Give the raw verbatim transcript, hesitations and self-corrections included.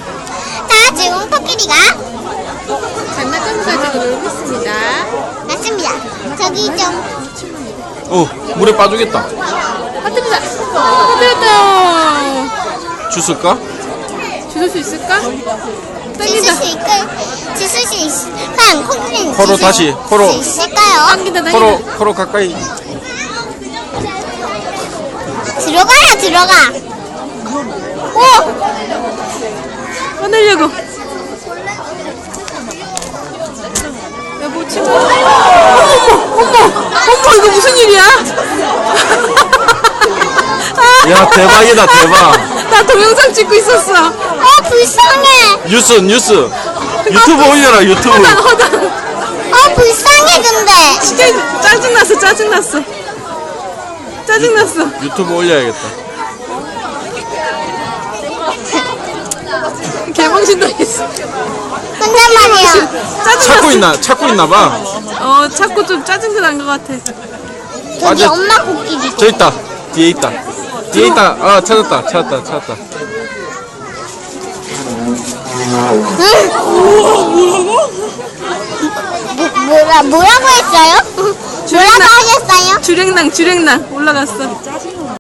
자, 지금 코끼리가 장난감 가지고 놀고 있습니다. 맞습니다. 저기 좀 어, 물에 빠지겠다. 터뜨리자. 터뜨렸다. 주술까? 주술 수 있을까? 지술 당긴다. 수 있을 지술 수 있. 과연 코끼리는 코로 지술 다시, 코로. 수 있을까요? 당긴다. 당긴다. 코로, 코로 가까이. 들어가라 들어가. 오, 꺼내려고. 여보 친구. 어머 어머 어머 이거 무슨 일이야? 야, 대박이다, 대박. 나 동영상 찍고 있었어. 어 불쌍해. 뉴스, 뉴스. 유튜브 올려라, 유튜브. 허당 허당. 어 불쌍해 근데. 진짜 짜증났어 짜증났어. 짜증났어. 유튜브 올려야겠다. 개망신도 있어. 근데 말이야. 찾고 짜증났어. 있나, 찾고 있나 봐. 어 자꾸 좀 짜증도 난 것 같아. 저기 맞아. 엄마 코끼리. 저 있다. 뒤에 있다. 뒤에 있다. 아, 찾았다, 찾았다, 찾았다. 뭐, 뭐라 뭐라고 했어요? 뭐라고 하셨어요? 주랭랑 주랭랑 올라갔어.